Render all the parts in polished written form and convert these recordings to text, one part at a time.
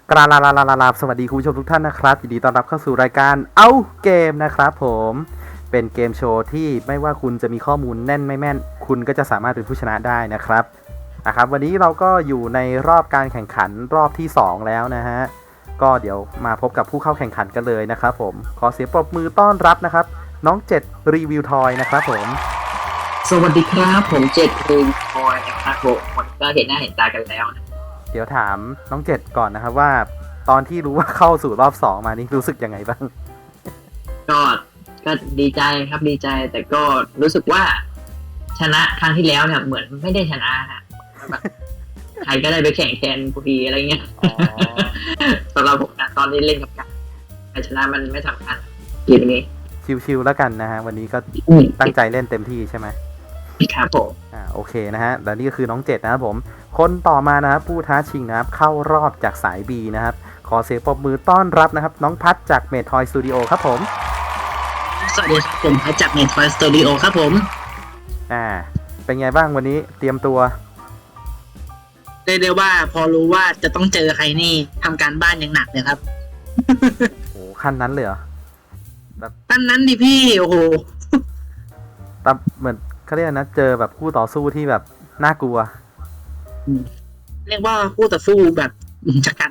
กราลาสวัสดีคุณผู้ชมทุกท่านนะครับยินดีต้อนรับเข้าสู่รายการเอาเกมนะครับผมเป็นเกมโชว์ที่ไม่ว่าคุณจะมีข้อมูลแน่นไม่แม่นคุณก็จะสามารถเป็นผู้ชนะได้นะครับวันนี้เราก็อยู่ในรอบการแข่งขันรอบที่2แล้วนะฮะก็เดี๋ยวมาพบกับผู้เข้าแข่งขันกันเลยนะครับผมขอเสียงปรบมือต้อนรับนะครับน้อง7รีวิวทอยนะครับผมสวัสดีครับผมเจ็ดรีวิวทอยนะครับผมวันก็เห็นหน้าเห็นตากันแล้วเดี๋ยวถามน้อง7ก่อนนะครับว่าตอนที่รู้ว่าเข้าสู่รอบ2มานี่รู้สึกยังไงบ้างก็ดีใจครับดีใจแต่ก็รู้สึกว่าชนะครั้งที่แล้วเนี่ยเหมือนไม่ได้ชนะนะแบบใครก็ได้ไปแข่งแทนกูดีอะไรเงี้ยสำหรับผมนะตอนนี้เล่นกับกันใครชนะมันไม่สำคัญเกมนี้ชิวๆแล้วกันนะฮะวันนี้ก็ตั้งใจเล่นเต็มที่ใช่ไหมครับผมโอเคนะฮะและนี่ก็คือน้อง7นะครับผมคนต่อมานะครับผู้ท้าชิงนะครับเข้ารอบจากสาย B นะครับขอเสียงปรบมือต้อนรับนะครับน้องพัดจากเมททอยสตูดิโอครับผมสวัสดีครับผมพัดจากเมททอยสตูดิโอครับผมเป็นไงบ้างวันนี้เตรียมตัวเรียกว่าพอรู้ว่าจะต้องเจอใครนี่ทำการบ้านอย่างหนักเลยครับโอ้ขั้นนั้นเลยเหรอขั้นนั้นดิพี่โอ้โหแต่เหมือนเขาเรียกนะเจอแบบคู่ต่อสู้ที่แบบน่ากลัวเรียกว่าคู่ต่อสู้แบบชะกัน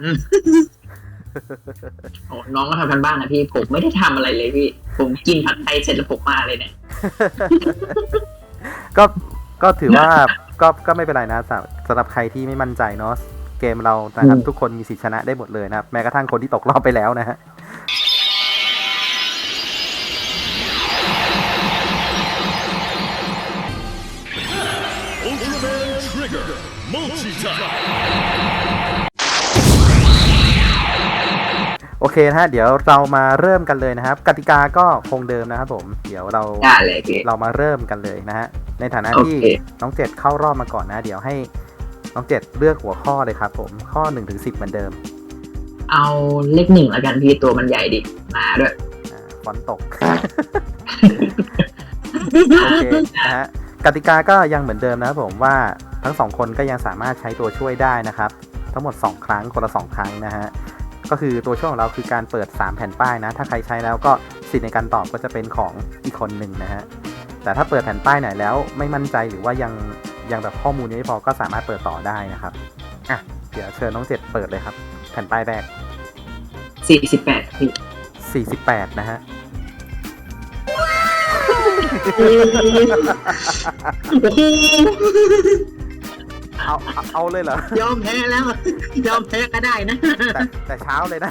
โอ้น้องก็ทำกันบ้านนะพี่ผมไม่ได้ทำอะไรเลยพี่ผมกินผัดไทยเสร็จแล้วผมมาเลยเนี่ยก็ถือว่าก็ไม่เป็นไรนะสำหรับใครที่ไม่มั่นใจเนาะเกมเรานะครับทุกคนมีสิทธิชนะได้หมดเลยนะครับแม้กระทั่งคนที่ตกรอบไปแล้วนะฮะโอเคนะฮะเดี๋ยวเรามาเริ่มกันเลยนะครับกติกาก็คงเดิมนะครับผมเดี๋ยวเรามาเริ่มกันเลยนะฮะในฐานะที่น้อง7เข้ารอบมาก่อนนะเดี๋ยวให้น้อง7เลือกหัวข้อเลยครับผมข้อ 1-10 เหมือนเดิมเอาเลข1แล้วกันพี่ตัวมันใหญ่ดิมาด้วยฝนตกโอเคนะฮะกติกาก็ยังเหมือนเดิมนะครับผมว่าทั้ง2คนก็ยังสามารถใช้ตัวช่วยได้นะครับทั้งหมด2ครั้งคนละ2ครั้งนะฮะก็คือตัวช่วยของเราคือการเปิด3แผ่นป้ายนะถ้าใครใช้แล้วก็สิทธิ์ในการตอบก็จะเป็นของอีกคนหนึ่งนะฮะแต่ถ้าเปิดแผ่นป้ายไหนแล้วไม่มั่นใจหรือว่ายังแบบข้อมูลไม่พอก็สามารถเปิดต่อได้นะครับเดี๋ยวเชิญน้อง7เปิดเลยครับแผ่นป้ายแรก 48พี่ 48นะฮะเอาเลยเหรอยอมแพ้แล้วยอมแพ้ก็ได้นะแต่เช้าเลยนะ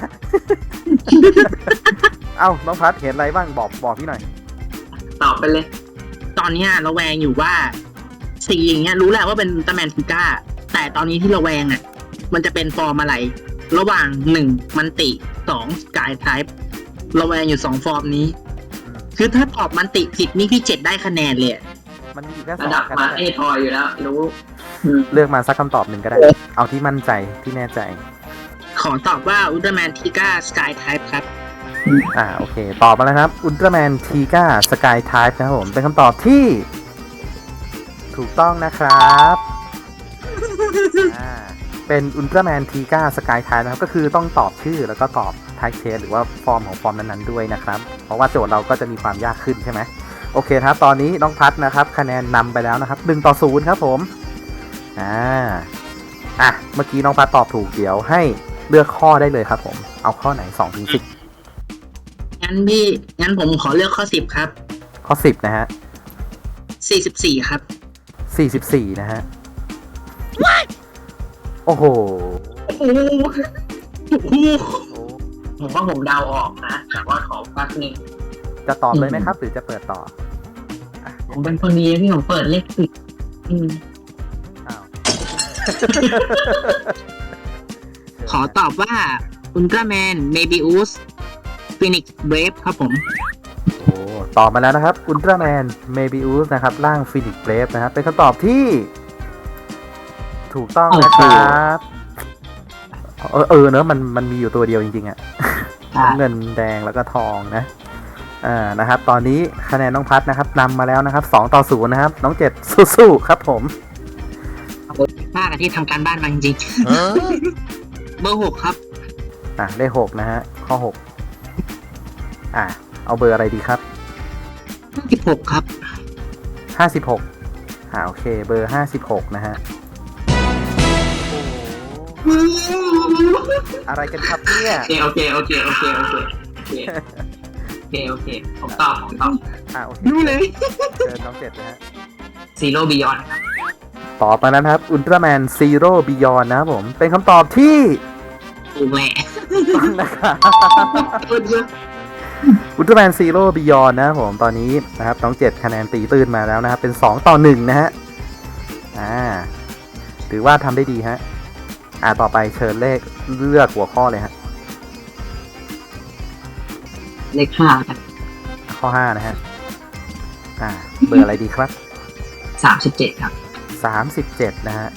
น้องพัดเห็นอะไรบ้างบอกพี่หน่อยตอบไปเลยตอนนี้เราแวงอยู่ว่าสีอย่างเงี้ยรู้แหละว่าเป็นตาแมนทิก้าแต่ตอนนี้ที่เราแวงมันจะเป็นฟอร์มอะไรระหว่าง1มันติ2สกายไทป์เราแวงอยู่2ฟอร์มนี้คือถ้าตอบมันติผิดนี่พี่7ได้คะแนนเลยมันมีแค่ระดับมาเอทอยอยู่แล้วรู้เลือกมาสักคำตอบหนึ่งก็ได้เอาที่มั่นใจที่แน่ใจขอตอบว่าอุลตร้าแมนทีก้าสกายไทป์ครับโอเคตอบมาแล้วครับอุลตร้าแมนทีก้าสกายไทป์นะครับผมเป็นคำตอบที่ถูกต้องนะครับเป็นอุลตร้าแมนทีก้าสกายไทป์นะครับก็คือต้องตอบชื่อแล้วก็ตอบไทป์เคสหรือว่าฟอร์มของฟอร์มนั้นๆด้วยนะครับเพราะว่าโจทย์เราก็จะมีความยากขึ้นใช่ไหมโอเคครับตอนนี้น้องพัดนะครับคะแนนนำไปแล้วนะครับ1-0ครับผมเมื่อกี้น้องพัดตอบถูกเดี๋ยวให้เลือกข้อได้เลยครับผมเอาข้อไหน2-10 งั้นผมขอเลือกข้อ10ครับข้อ10นะฮะ 44ครับ 44นะฮะโอ้โหผมว่าผมเดาออกนะแต่ว่าขอแป๊บนึงจะตอบเลยไหมครับหรือจะเปิดต่อผมเป็นคนดีพี่ผมเปิดเลข10ขอตอบว่าอุลตร้าแมนเมบิอุสฟินิกซ์เบรฟครับผมตอบมาแล้วนะครับอุลตร้าแมนเมบิอุสนะครับร่างฟินิกซ์เบรฟนะครับเป็นคำตอบที่ถูกต้องนะครับเนอะมันมีอยู่ตัวเดียวจริงๆเงินแดงแล้วก็ทองนะนะครับตอนนี้คะแนนน้องพัดนะครับนำมาแล้วนะครับ2-0นะครับน้อง7สู้ๆครับผมมากที่ทำการบ้านมาจริงๆเบอร์6ครับเลข6นะฮะข้อ6เอาเบอร์อะไรดีครับ 56ครับ 56โอเคเบอร์56นะฮะอะไรกันครับเนี่ยโอเคผมตอบโอเครู้เลยเชิญน้องเจ็ดนะฮะซีโร่บิยอนครับตอบมานะครับอุลตร้าแมนซีโร่บิยอนนะครับผมเป็นคำตอบที่ถูกแหละต้องนะครับอุลตร้าแมนซีโร่บิยอนนะครับผมตอนนี้นะครับน้องเจ็ดคะแนนตีตื้นมาแล้วนะครับเป็น2-1นะฮะถือว่าทำได้ดีฮะต่อไปเชิญเลขเลือกหัวข้อเลยฮะเลข5ครับข้อ5นะฮะเบอร์อะไรดีครับ 37ครับ 37นะฮะ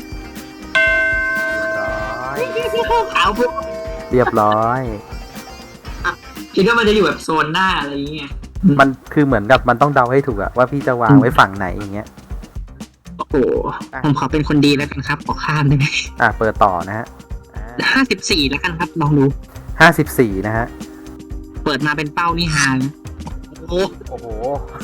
เรียบร้อยคิดว่ามันจะอยู่แบบโซนหน้าอะไรอย่างเงี้ยมันคือเหมือนกับมันต้องเดาให้ถูกอะว่าพี่จะวางไว้ฝั่งไหนอย่างเงี้ยโอ้โหผมขอเป็นคนดีแล้วกันครับขอข้ามได้ไหมเปิดต่อนะฮะ 54แล้วกันครับลองดู 54นะฮะเปิดมาเป็นเป้านี่ฮานะโอ้โอ้โห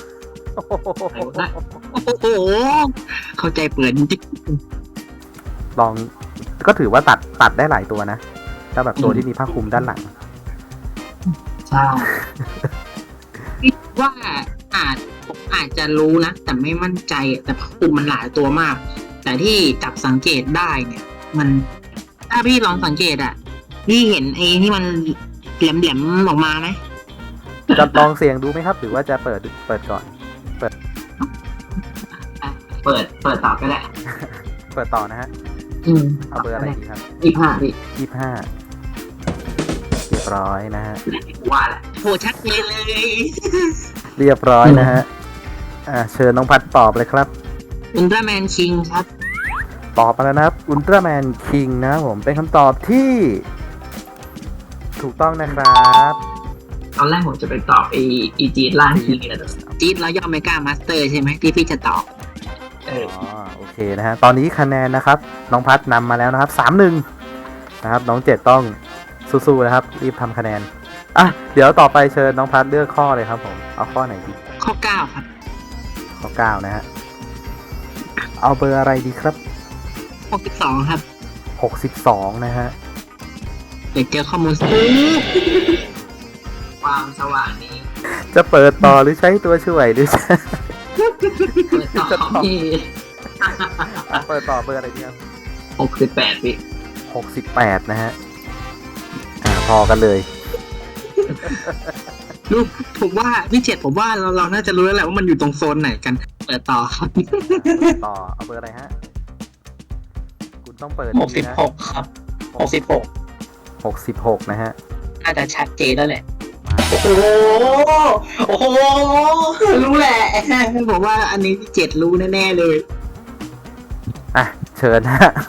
โหเข้าใจเปิดจริงลองก็ถือว่าตัดได้หลายตัวนะถ้าแบบตัวที่มีผ้าคลุมด้านหลังใช่คิดว่าผมอาจจะรู้นะแต่ไม่มั่นใจแต่กลุ่มมันหลายตัวมาก แต่ที่จับสังเกตได้เนี่ย มันถ้าพี่ลองสังเกตพี่เห็นไอ้ที่มันแหลมๆออกมาไหมจะลองเสียงดูไหมครับ หรือว่าจะเปิดก่อนเปิดตอบก็ได้เปิดต่อนะฮะเอาเบอร์อะไรดีครับ 25พี่ 25เรียบร้อยนะฮะว่าแหละโหชัดเจนเลยเรียบร้อยนะฮะเชิญน้องพัดตอบเลยครับอุลตร้าแมนคิงครับตอบมาแล้วนะครับอุลตร้าแมนคิงนะผมเป็นคำตอบที่ถูกต้องนะครับตอนแรกผมจะไปตอบอีจีดล่างทีนะจี๊ดแล้วย่อเมกามาสเตอร์ใช่ไหมที่พี่จะตอบโอเคนะฮะตอนนี้คะแนนนะครับน้องพัดนำมาแล้วนะครับ3-1นะครับน้องเจ็ดต้องสู้ๆนะครับรีบทำคะแนนเดี๋ยวต่อไปเชิญน้องพัดเลือกข้อเลยครับผมเอาข้อไหนดีข้อ 9 ครับข้อ9นะฮะเอาเบอร์อะไรดีครับ 62 ครับ 62นะฮะเดี๋ยวเจอข้อมูลความสว่างนี้จะเปิดต่อหรือใช้ตัวช่วยหรือจะเปิดตอบที่เปิดต่อเบอร์อะไรดีครับ 68พี่ 68นะฮะพอกันเลยลูกผมว่าพี่เจ็ดผมว่าเราน่าจะรู้แล้วแหละว่ามันอยู่ตรงโซนไหนกัน เปิดต่อครับต่อเอาเบอร์อะไรฮะคุณต้องเปิด 66ครับ 66นะฮะน่าจะชัดเจนแล้วแหละโอ้โหรู้แหละผมว่าอันนี้พี่เจ็ดรู้แน่ๆเลยเชิญฮะ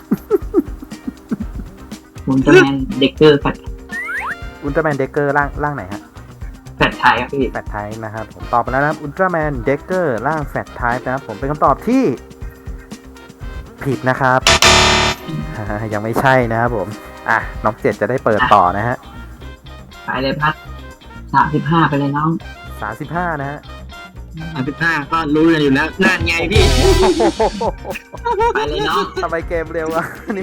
ผมจะแมนเด็กเกอร์แฟดอุลตร้าแมนเด็กเกอร์ร่างไหนฮะไทยครับพี่แฟตไทป์นะครับผมตอบไปแล้วนะครับอุลตร้าแมนเด็กเกอร์ร่างแฟตไทป์นะครับผมเป็นคำตอบที่ผิดนะครับ ยังไม่ใช่นะครับผมน้องเจ็ดจะได้เปิดต่อนะฮะไปเลยพัด35ไปเลยน้อง 35นะฮะ 35ก็รู้กันอยู่แล้วนั่นไงพี่ไปเลยน้องทำไมเกมเร็ววะนี่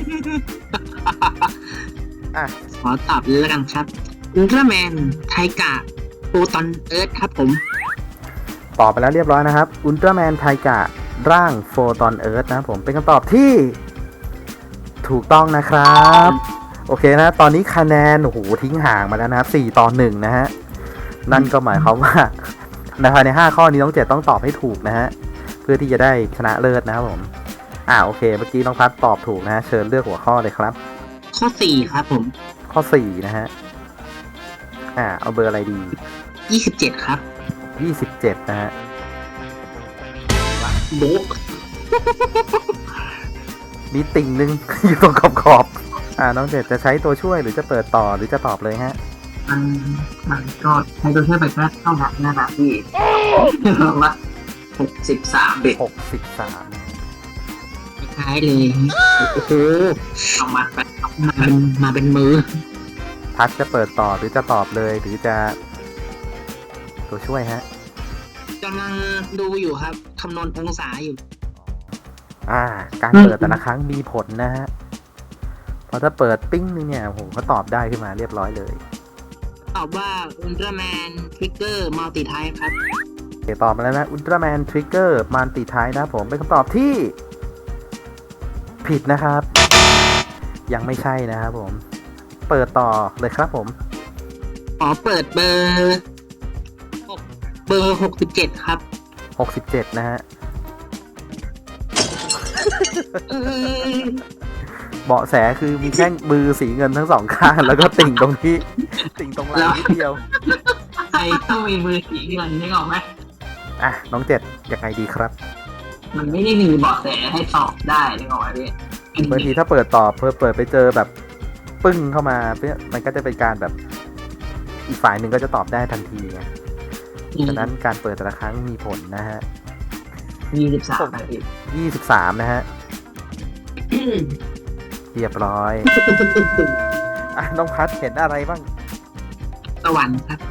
ขอตอบเลยแล้วกันครับอุลตร้าแมนไทกะโปรตอนเอิร์ธครับผมตอบไปแล้วเรียบร้อยนะครับอุลตร้าแมนไทกะร่างโฟตอนเอิร์ธนะครับผมเป็นคำตอบที่ถูกต้องนะครับโอเคนะตอนนี้คะแนนโอ้โหทิ้งห่างมาแล้วนะครับ4-1นะฮะนั่นก็หมายความว่าในภายใน5ข้อนี้น้องเจ็ดต้องตอบให้ถูกนะฮะเพื่อที่จะได้ชนะเลิศนะครับผมโอเคเมื่อกี้น้องพัดตอบถูกนะฮะเชิญเลือกหัวข้อเลยครับข้อ 4 ครับผมข้อ4นะฮะเอาเบอร์อะไรดี 27 ครับ 27นะฮะโบ๊ะมีติ่งนึง อยู่ตรงขอบน้องเจ็ดจะใช้ตัวช่วยหรือจะเปิดต่อหรือจะตอบเลยฮะมันก็ใช้ตัวช่วยไปแค่เท่านั้นนะครับพี่ว่า63เบ็ด 63 คล้ายเลยโอ้โหเอามาไปมาเป็นมือพัดจะเปิดต่อหรือจะตอบเลยหรือจะตัวช่วยฮะกำลังดูอยู่ครับคำนวณองศาอยู่การเปิดแต่ละครั้งมีผลนะฮะเพราะถ้าเปิดปิ้งนึงเนี่ยผมก็ตอบได้ขึ้นมาเรียบร้อยเลยตอบว่าอุลตร้าแมนทริกเกอร์มัลติไทป์ครับโอเคตอบมาแล้วนะอุลตร้าแมนทริกเกอร์มันติท้ายนะผมเป็นคำตอบที่ ผิดนะครับ ยังไม่ใช่นะครับผม เปิดต่อเลยครับผมเปิดเบอร์67ครับ 67 นะฮะ เบาะแสคือมีแท่งมือสีเงินทั้งสองข้าง แล้วก็ติ่งตรงที่ ติ่งตรงไหล่นิดเดียวใครต้องมีมือสีเงินนึกออกไหมน้องเจ็ดยังไงดีครับมันไม่ได้มีเบาะแสให้ตอบได้นึกออกไหมพี่บางทีถ้าเปิดต่อเปิดไปเจอแบบปึ้งเข้ามามันก็จะเป็นการแบบอีกฝ่ายหนึ่งก็จะตอบได้ทันทีไงฉะนั้นการเปิดแต่ละครั้งมีผลนะฮะ 23นาที 23 นะฮะ เรียบร้อย น้องพัดเห็นอะไรบ้างสวรรค์ครับ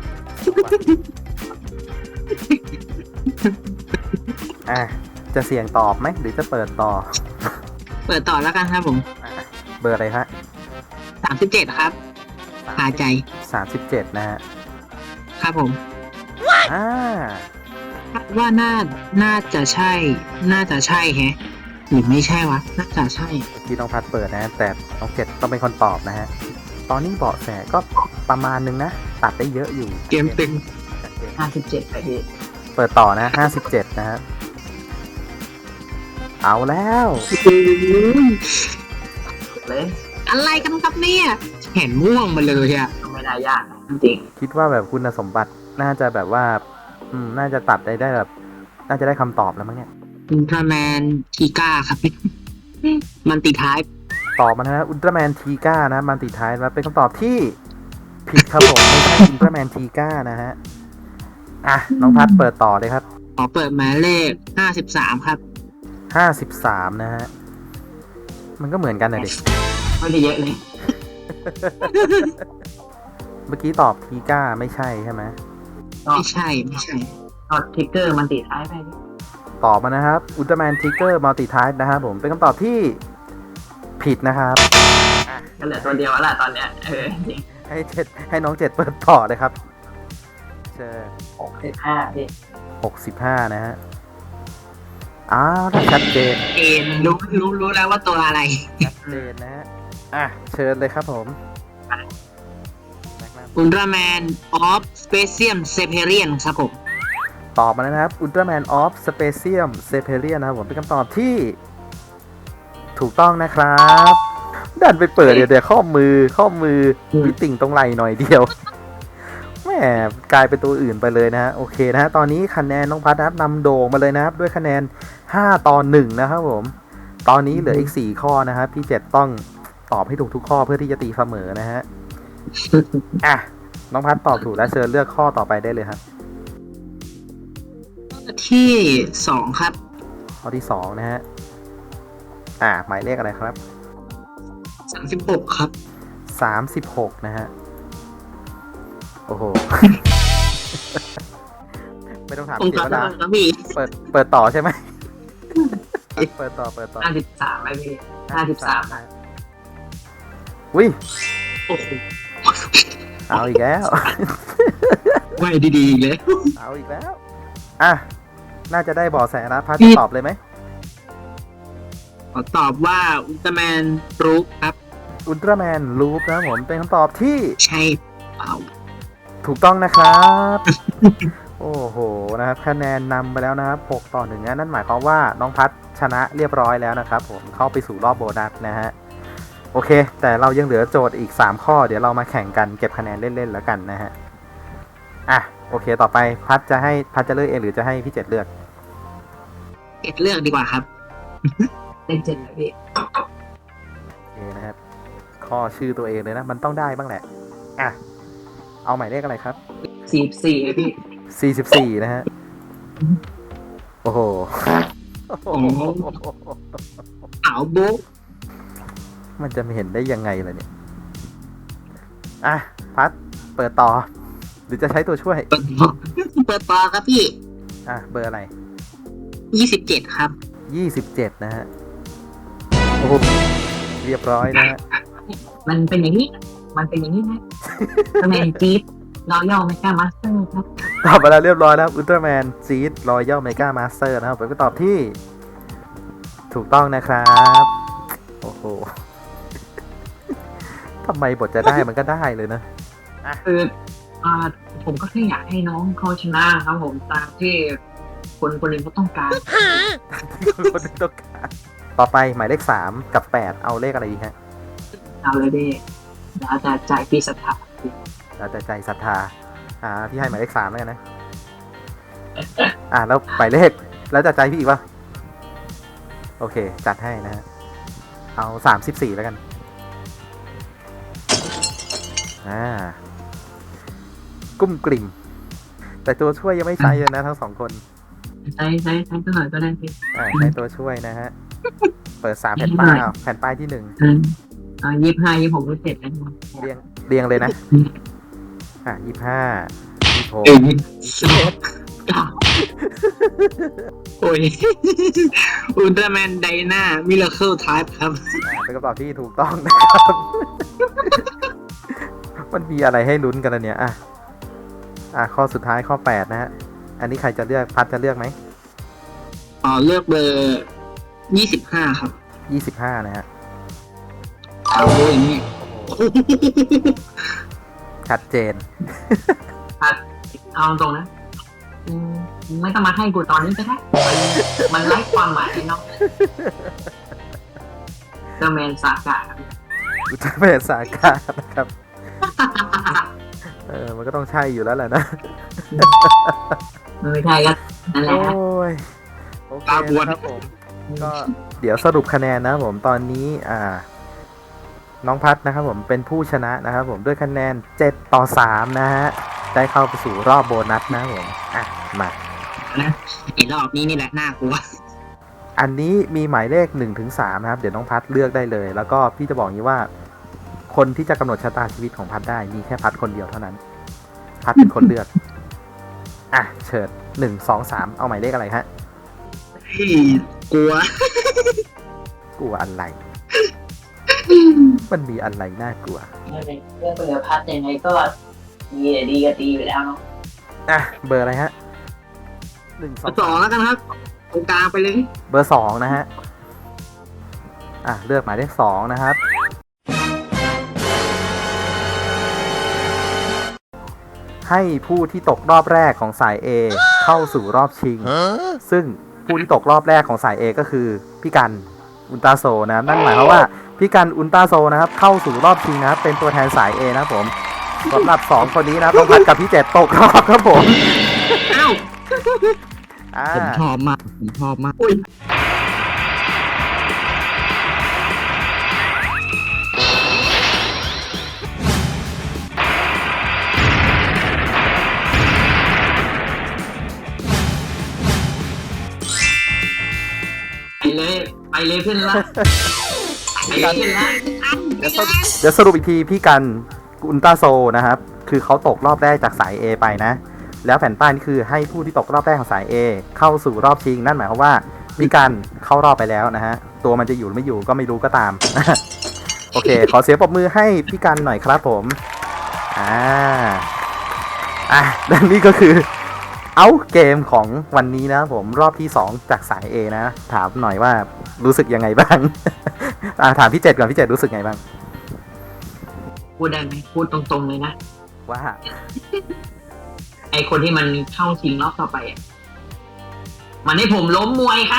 จะเสี่ยงตอบไหมหรือจะเปิดต่อเปิดต่อแล้วกันครับผมเบอร์อะไรฮะ 37ครับคาใจ 37 นะฮะครับผมอ่าคาดว่าน่าจะใช่แฮะหรือไม่ใช่วะน่าจะใช่ที่น้องพัดเปิดนะ แต่น้องเจ็ดต้องเป็นคนตอบนะฮะ ตอนนี้เบาะแสก็ประมาณนึงนะ ตัดได้เยอะอยู่เกมตึง 57นาทีเปิดต่อนะ 57 นะฮะ เอาแล้วเลยอะไรกันครับเนี่ยเห็นม่วงมาเลยอะก็ไม่ได้ยากนะจริงคิดว่าแบบคุณสมบัติน่าจะแบบว่า น่าจะตัดได้แบบ น่าจะได้คำตอบแล้วมั้งเนี่ยอุลตร้าแมนทีก้าครับ มันติท้ายตอบมานะฮะอุลตร้าแมนทีก้านะมันติดท้ายมาเป็นคำตอบที่ผิดครับผม ไม่ใช่อุลตร้าแมนทีก้านะฮะ น้องพัดเปิดต่อเลยครับเปิดหมายเลข53ครับ 53 นะฮะ มันก็เหมือนกันนะเด็กไม่ได้เยอะเลยเมื่อกี้ตอบทีก้าไม่ใช่ใช่ไหมไม่ใช่ก็ทริกเกอร์มันติดท้ายไปตอบมานะครับอุลตร้าแมนทิกเกอร์มัลติทายนะครับผมเป็นคำตอบที่ผิดนะครับก็เหลือตัวเดียวแล้วล่ะตอนเนี้ยจริงให้น้องเจ็ดเปิดต่อเลยครับเชิญ 65พี่ 65 นะฮะถ้าชัดเจนรู้แล้วว่าตัวอะไรชัดเจนนะฮะเชิญเลยครับผมอุลตร้าแมนออฟสเปเซียมเซเพเรียนครับผมตอบมาแล้วนะครับอุลตร้าแมนออฟสเปเซียมเซเพเรียนนะครับผมเป็นคำตอบที่ ถูกต้องนะครับดันไปเปิดเดี๋ยวข้อมือมีติ่งตรงไหล่หน่อยเดียวแหมกลายเป็นตัวอื่นไปเลยนะฮะโอเคนะฮะตอนนี้คะแนนน้องพัดนะครับนำโด่งมาเลยนะครับด้วยคะแนน5-1นะครับผมตอนนี้เหลืออีก4ข้อนะครับพี่เจ็ดต้องตอบให้ถูกทุกข้อเพื่อที่จะตีเสมอนะฮะน้องพัดตอบถูกแล้วเชิญเลือกข้อต่อไปได้เลยครับที่2ครับข้อที่2นะฮะหมายเลขอะไรครับ 36ครับ 36 นะฮะโอ้โห ไม่ต้องถามตรงเสียกับเวลาครับพี่เปิดต่อใช่ไหม เปิดต่อ 53ไหมพี่53นะอุ้ยโอ้โหเอาอีกแล้วไว้ดีๆเลยเอาอีกแล้วน่าจะได้เบาะแสแล้วพัดจะตอบเลยไหมขอตอบว่าอุลตร้าแมนรูปครับอุลตร้าแมนลูปนะผมเป็นคำตอบที่ใช่เปล่าถูกต้องนะครับ โอ้โหนะครับคะแนนนำไปแล้วนะครับ6-1นั่นหมายความว่าน้องพัดชนะเรียบร้อยแล้วนะครับผมเข้าไปสู่รอบโบนัสนะฮะโอเคแต่เรายังเหลือโจทย์อีก3ข้อเดี๋ยวเรามาแข่งกันเก็บคะแนนเล่นๆแล้วกันนะฮะโอเคต่อไปพัดจะเลือกเองหรือจะให้พี่เจ็ดเลือกเลือกดีกว่าครับเลข7นะพี่โอเคนะครับข้อชื่อตัวเองเลยนะมันต้องได้บ้างแหละเอาหมายเลขอะไรครับ 44พี่ 44 นะฮะโอ้โหเอาบุ๊กมันจะไม่เห็นได้ยังไงล่ะเนี่ยอ่ะพัดเปิดต่อ หรือจะใช้ตัวช่วยเปิดต่อครับพี่อ่ะเบอร์อะไร 27 ครับ 27 นะฮะ โอ้โหเรียบร้อยนะฮะมันเป็นอย่างนี้นะตำแหน่งจี๊ดรอยัลเมกามาสเตอร์ครับตอบมาแล้วเรียบร้อยแล้วอุลตร้าแมนซีดรอยัลเมกามาสเตอร์นะครับผมก็ตอบที่ ถูกต้องนะครับ โอ้โห ทำไมบทจะได้มันก็ได้เลยนะคือผมก็แค่อยากให้น้องเขาชนะครับผมตามที่คนคนหนึ่งเขาต้องการคนที่ต้องการต่อไปหมายเลข 3 กับ 8 เอาเลขอะไรดีฮะเอาเลยดิแล้วแต่ใจพี่ศรัทธาเราจะใจศรัทธาพี่ให้หมายเลข 3 แล้วกันนะ แล้วหมายเลขแล้วจะใจพี่อีกปะโอเค จัดให้นะฮะ เอา34แล้วกัน กุ้มกลิ่ม แต่ตัวช่วยยังไม่ใช้เลยนะทั้งสองคนใช้ก็หน่อยก็ได้พี่ใช้ตัวช่วยนะฮะ เปิด3แผ่นป้ายแผ่นป้ายที่1 25 26 27นะเรียงเลยนะ 25 26 โอ้ย อุลตร้าแมนไดนามิราเคิลไทป์ครับเป็นคำตอบที่ถูกต้องนะครับ มันมีอะไรให้ลุ้นกันนะเนี่ยข้อสุดท้ายข้อ 8 นะฮะ อันนี้ใครจะเลือกพัดจะเลือกไหมเลือกเบอร์ 25 ครับ 25 นะฮะเอาอย่างนี้ชัดเจนเอาตรงนะไม่ต้องมาให้กูตอนนี้ก็ได้มันไร้ความหมายเนาะเดอะแมนสากะอุลตร้าแมนสากานะครับ มันก็ต้องใช่อยู่แล้วแหละนะไม่ใช่ก็นั่นแหละโอ้ย โอเคนะครับผม ก็เดี๋ยวสรุปคะแนนนะครับผม ตอนนี้น้องพัดนะครับผมเป็นผู้ชนะนะครับผมด้วยคะแนน7-3นะฮะ ได้เข้าไปสู่รอบโบนัสนะครับผม มานะไอ้รอบนี้นี่แหละน่ากลัวอันนี้มีหมายเลข 1-3 นะครับ เดี๋ยวน้องพัดเลือกได้เลย แล้วก็พี่จะบอกอย่างนี้ว่า คนที่จะกำหนดชะตาชีวิตของพัดได้มีแค่พัดคนเดียวเท่านั้น พัดเป็นคนเลือก เชิญ1-2-3 เอาหมายเลขอะไรฮะกลัวกลัวอะไร มันมีอะไรน่ากลัวเรื่องเบอร์พัดยังไงก็ดีก็ดีอยู่แล้วเนาะเบอร์อะไรฮะ 2 แล้วกันครับ ตรงกลางไปเลยเบอร์ 2 นะฮะ เลือกหมายเลข 2 นะครับ ให้ผู้ที่ตกรอบแรกของสาย A เข้าสู่รอบชิง ซึ่งผู้ที่ตกรอบแรกของสาย A ก็คือพี่กันอุลตราโซนะนั่นหมายความว่าพี่กันอุลตราโซนะครับเข้าสู่รอบชิงนะครับเป็นตัวแทนสาย A นะครับผมสำหรับ2คนนี้นะต้องพัดกับพี่เจ็ดตกรอบครับผมเอ้าอ่าผมชอบมากอุ้ยไปเลยเพื่อนละไปเลยเพื่อนละเดี๋ยวสรุปอีกทีพี่กันอุลตราโซนะครับคือเขาตกรอบแรกจากสาย A ไปนะ แล้วแผ่นป้ายนี่คือให้ผู้ที่ตกรอบแรกของสาย A เข้าสู่รอบชิงนั่นหมายความว่าพี่กันเข้ารอบไปแล้วนะฮะตัวมันจะอยู่หรือไม่อยู่ก็ไม่รู้ก็ตาม โอเค ขอเสียงปรบมือให้พี่กันหน่อยครับผมและนี่ก็คือเอาเกมของวันนี้นะผมรอบที่2จากสาย A นะถามหน่อยว่ารู้สึกยังไงบ้าง ถามพี่เจ็ดก่อนพี่เจ็ดรู้สึกไงบ้างพูดได้ไหมพูดตรงๆเลยนะว่าไอคนที่มันเข้าชิงรอบต่อไปมันให้ผมล้มมวยครับ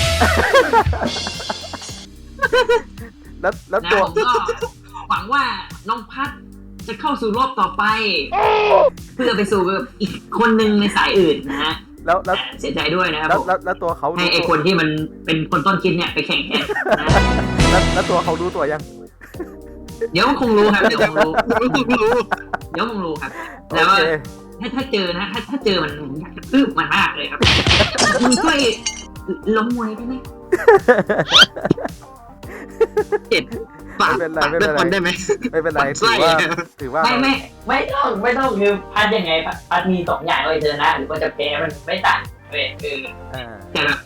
แล้วนะตัวผมก็หวังว่าน้องพัดจะเข้าสู่รอบต่อไป เพื่อไปสู่กับอีกคนหนึ่งในสายอื่นนะฮะแล้วเสียใจด้วยนะครับผมแล้วตัวเขาให้ไอคนที่มันเป็นคนต้นคิดเนี่ยไปแข่งแทนนะแล้วตัวเขารู้ตัวยังเดี๋ยวมันคงรู้ครับเดี๋ยวคงรู้ครับโอแล้วเคถ้าเจอนะถ้าเจอมันผมอยากจะตื้มมันมากเลยครับคุณช่วยล้มมวยได้ไหมเจ็ดฝากไม่เป็นไรฝากไม่เป็นไรด้วยคนได้ไหมไม่เป็นไรใช่ถือว่าไม่ต้องคือพัดยังไงพัดมี2อย่างเลยเธอนะหรือว่าจะแพ้มันไม่ต่างเว้ยอ่าแต่ละ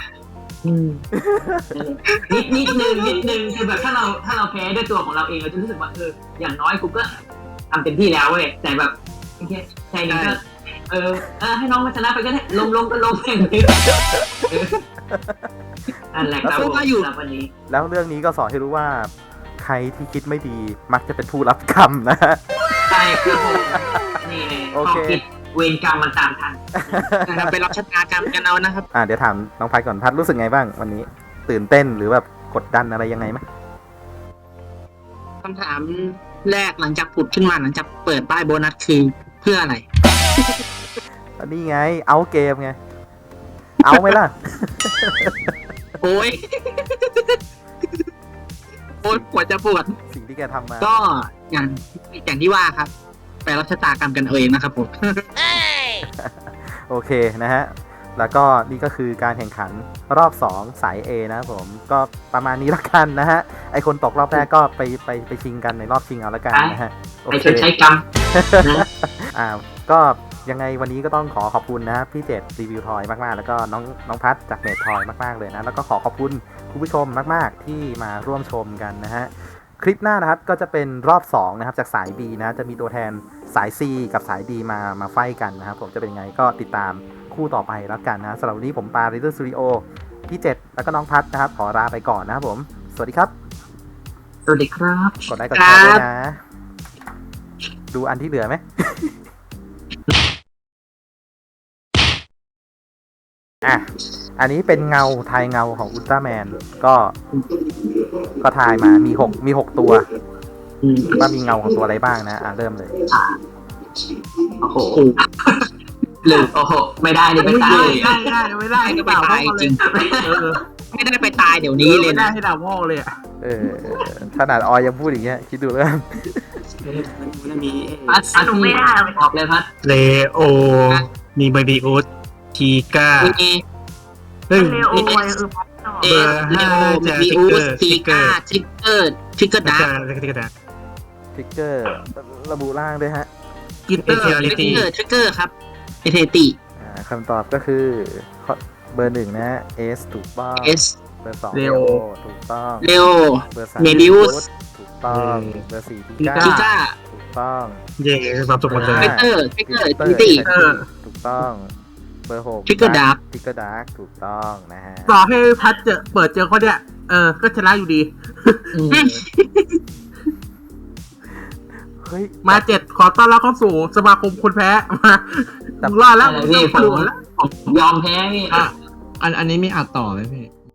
นิดนึงคือแบบถ้าเราแพ้ด้วยตัวของเราเองเราจะรู้สึกว่าอย่างน้อยกูก็ทำเต็มที่แล้วเว้ยแต่แบบโอเคใจนึงก็ให้น้องมาชนะไปก็ได้ลงก็ลงอย่างนี้นั่นแหละครับผมสำหรับวันนี้แล้วเรื่องนี้ก็สอนให้รู้ว่าใครที่คิดไม่ดีมักจะเป็นผู้รับกรรมนะฮะใช่ครับผมนี่โอเคข้อคิดเวรกรรมมันตามทันนะครับไปรับชะตากรรมกันเอานะครับเดี๋ยวถามน้องพัดก่อนพัดรู้สึกไงบ้างวันนี้ ตื่นเต้นหรือแบบกดดันอะไรยังไงไหมคำถามแรกหลังจากผุดขึ้นมาหลังจากเปิดป้ายโบนัสคือเพื่ออะไรนี่ไงเอาเกมไงเอาไหมล่ะโอ้ย โอ้ยปวดจะปวดสิ่งที่แกทำมาก็อย่างที่ว่าครับ ไปรับชะตากรรมกันเอาเองนะครับผมโอเคนะฮะแล้วก็นี่ก็คือการแข่งขันรอบ2สาย A นะครับผมก็ประมาณนี้ละกันนะฮะไอคนตกรอบแรกก็ไปชิงกันในรอบชิงเอาละกันนะฮะโอไปเคชดใช้กรรมนะก็ยังไงวันนี้ก็ต้องขอบคุณนะพี่เจตรีวิวทอยมากๆแล้วก็น้องพัดจากเมททอยมากๆเลยนะแล้วก็ขอบคุณคุณผู้ชมมากๆที่มาร่วมชมกันนะฮะคลิปหน้านะครับก็จะเป็นรอบ2นะครับจากสาย B นะจะมีตัวแทนสาย C กับสาย D มาไฟกันนะครับผมจะเป็นยังไงก็ติดตามคู่ต่อไปแล้วกันนะสำหรับวันนี้ผมปาริเดอร์สตูดิโอพี่เจตแล้วก็น้องพัดนะครับขอลาไปก่อนนะครับผมสวัสดีครับสวัสดีครับกดไลค์กดแชร์ด้วยนะดูอันที่เหลือไหม อันนี้เป็นเงาทายเงาของอุลตร้าแมนก็ทายมามี6ตัวว่ามีเงาของตัวอะไรบ้างนะเริ่มเลยโอ้โหหรือโอ้โหไม่ได้ดิไปตายไม่ได้ก็ไปตายจริงไม่ได้ไปตายเดี๋ยวนี้เลยนะให้ดาวโม่เลยอ่ะขนาดออยยังพูดอย่างเงี้ยคิดดูแล้วกันพัดหนูไม่ได้ออกเลยพัดเลโอ มีเบบีอูดทีก้ามีซึ่งเอเลโอมีอูสตีก้าทริกเกอร์ดาร์ทริกเกอร์ระบุร่างด้วยฮะกินเตอร์ทริกเกอร์ครับเอเทติคำตอบก็คือเบอร์1นะเอสถูกต้องเอสเบอร์2 เลเลโอโอถูกต้องเลโอเบอร์3 เมดิอุสถูกต้องเบอร์4ทิก้าทิก้าถูกต้องเย่ความสุขหมดเลยทริกเกอร์ทิติถูกต้องเบอร์6 Trigger Dark ทริกเกอร์ดาร์กถูกต้องนะฮะต่อให้พัดเปิดเจอเขาเนี่ยก็ชนะอยู่ดีเฮ้ยมา7 ขอต้อนรับเข้าสู่สมาคมคนแพ้มามึงรอดแล้วมึงพี่ปวดแล้วผมยอมแพ้พี่อันนี้มีอัดต่อไหมพี่